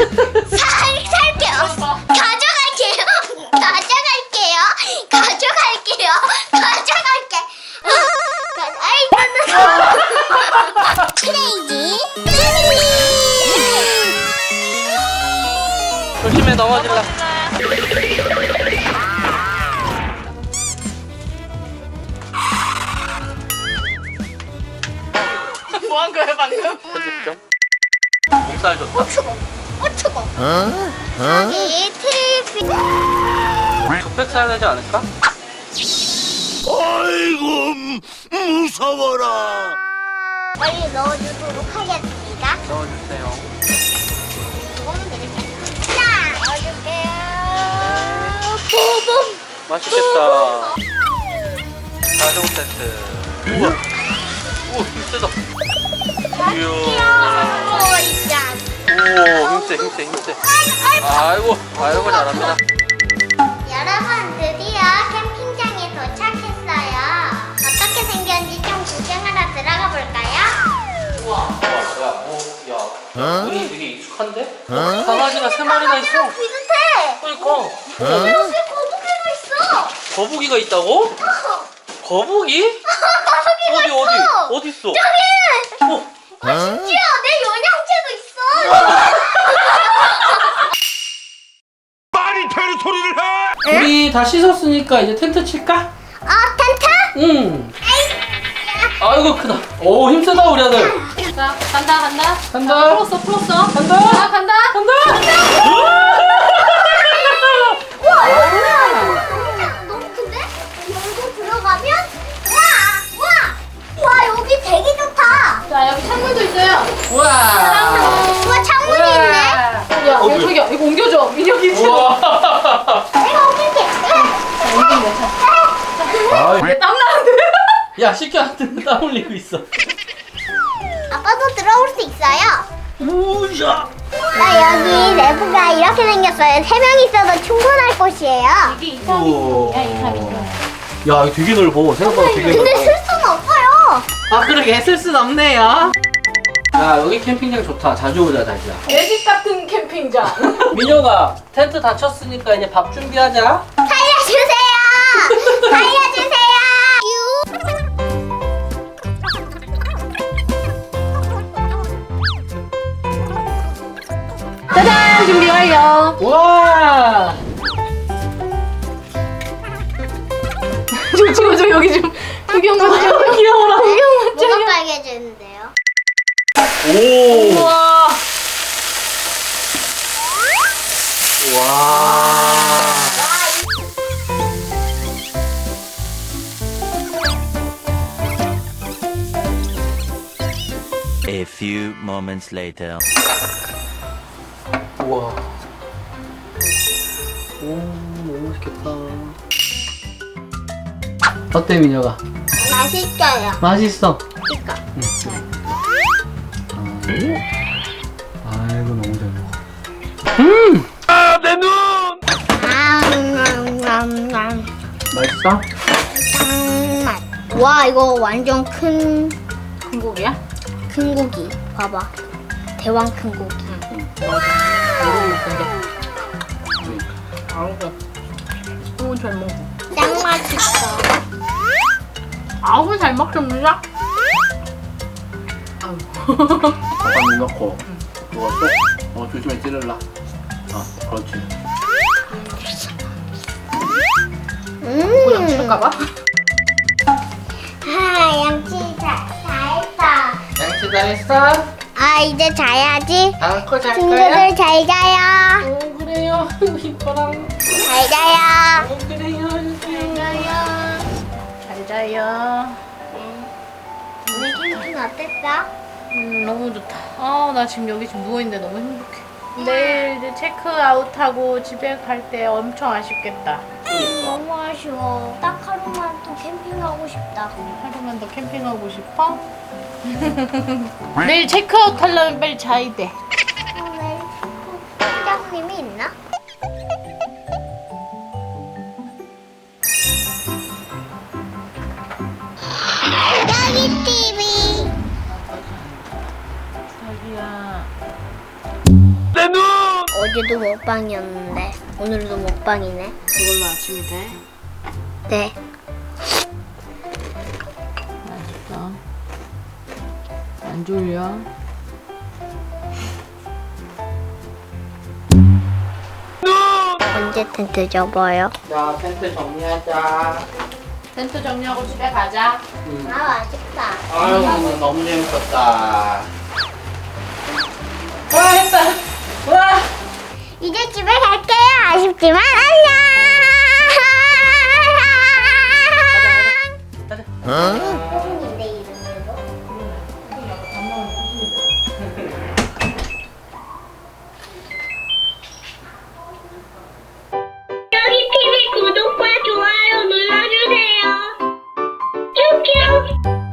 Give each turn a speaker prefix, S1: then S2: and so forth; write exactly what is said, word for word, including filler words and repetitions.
S1: 살, 살게요. 가져갈게요. 가져갈게요. 가져갈게요. 가져갈게. 아이, 크레이지
S2: 조심해, 넘어질라.
S3: 뭐 한 거야 방금?
S2: 편집점. 목살 좋다.
S1: 어 추워. 어 추워. 여기 트리피.
S2: 족백 사야 되지 않을까?
S4: 아이고 무서워라.
S1: 빨리 넣어주도록 하겠습니다.
S2: 넣어주세요.
S1: 이거는 되겠네. 자, 넣어줄게요. 뿜뿜.
S2: 맛있겠다. 가정 세트. 우와. 우와, 힘세다. 이야.
S1: 오, 있자.
S2: 오, 힘세, 힘세, 힘세. 아이고, 아이고, 잘합니다.
S1: 여러분, 드디어 캠핑장에 도착했어요. 어떻게 생겼는지 좀 구경하러 들어가 볼까요?
S2: 우와. 야, 어, 야. 눈이 되게 익숙한데? 강아지가 세 마리나 있어.
S1: 비슷해.
S2: 그러니까.
S1: 여기 거북이가 있어.
S2: 거북이가 있다고? 거북이? 어디,
S1: 거북이가
S2: 어디?
S1: 있어.
S2: 어디 있어?
S1: 저기.
S2: 어.
S1: 심지어 내 영양제도 있어.
S4: 말이 되는 소리를 해.
S2: 우리 다 씻었으니까 이제 텐트 칠까?
S1: 어, 텐트?
S2: 응. 아이고 크다. 오 힘세다 우리 아들.
S3: 자 간다 간다.
S2: 간다.
S3: 자, 풀었어 풀었어.
S2: 간다.
S3: 자 간다.
S2: 간다.
S1: 우와, 이거 뭐야? 진짜 너무 큰데? 열고 들어가면 와, 와, 와 여기 되게 좋다.
S3: 자 여기 창문도 있어요.
S2: 우와.
S1: 우와 창문이 있네.
S3: 야
S2: 어,
S3: 여기 저기야 이거 옮겨줘. 민혁이 지금.
S2: 우와.
S1: 내가 옮길게.
S3: 옮긴다. 자.
S2: 아이.
S3: 얘땀 나는데.
S2: 야 시켜한테 땀 흘리고 있어.
S1: 아빠도 들어올 수 있어요.
S2: 우야.
S1: 나 여기 내부가 이렇게 생겼어요. 세 명 있어도 충분할 곳이에요.
S3: 이게 이삼이야 이삼이.
S2: 야 이거 되게 넓어. 생각보다 되게
S1: 근데
S2: 넓어.
S1: 쓸 수는 없어요.
S3: 아 그러게 쓸 순 없네요.
S2: 야 여기 캠핑장 좋다. 자주 오자 자기야.
S3: 내 집 같은 캠핑장.
S2: 민혁아 텐트 다 쳤으니까 이제 밥 준비하자.
S1: 살려주세요. 살려주세요.
S3: 짜잔 준비 완료.
S2: 와.
S3: 좀 찍어줘 여기 좀 구경 좀 좀. 귀여워라. 구경 좀.
S1: 뭐가 빨개지는데요?
S2: 오.
S3: 우와.
S2: 와.
S4: A few moments later.
S2: 우와. 오, 너무 맛있겠다. 어때, 민혁아?
S1: 맛있어요.
S2: 맛있어.
S1: 이거.
S2: 아이고, 너무 잘 먹어. 음!
S4: 아, 내 눈!
S1: 음,
S2: 맛있어?
S1: 짱맛. 와 이거 완전 큰,
S3: 큰 고기야?
S1: 큰 고기. 봐봐. 대왕 큰 고기.
S3: 아우고. 너무 잘 먹어.
S1: 짱 맛있어.
S3: 아우 잘 먹습니다. 아우.
S2: 밥 넣고, 이거 또, 어, 조심해 찌를라. 어, 그렇지.
S3: 그냥
S1: 음.
S3: 칠까봐?
S1: 아 양치 다, 다 했어.
S2: 양치 다 했어?
S1: 아 이제 자야지.
S2: 안고 잘 거야?
S1: 친구들 잘 자요.
S2: 어, 그래요. 이뻐랑.
S1: 잘 자요.
S2: 어, 그래요.
S1: 잘 자요.
S3: 잘 자요.
S1: 오늘 캠핑 어땠어?
S3: 음 너무 좋다. 아 나 지금 여기 지금 누워 있는데 너무 행복해. 내일 이제 체크아웃하고 집에 갈 때 엄청 아쉽겠다.
S1: 너무 아쉬워. 딱 하루만 더 캠핑하고 싶다.
S3: 하루만 더 캠핑하고 싶어? 내일 체크아웃 하려면 빨리 자야 돼.
S1: 오늘 팀장님이 있나? 여기 티비.
S3: 자기야.
S4: 내 눈!
S1: 어제도 먹방이었는데 오늘도 먹방이네.
S3: 이걸로 아침이 돼?
S1: 네.
S3: 맛있어. 안 졸려?
S1: 언제 텐트 접어요?
S2: 자, 텐트 정리하자.
S3: 텐트 정리하고 집에 가자.
S2: 음.
S1: 아 맛있다.
S2: 아유, 너무 재밌었다.
S3: 와 했다. 와.
S1: 이제 집에 갈게요. 아쉽지만 안녕. 내 이름으로.
S5: 여기 티비 구독과 좋아요 눌러주세요. 큐큐.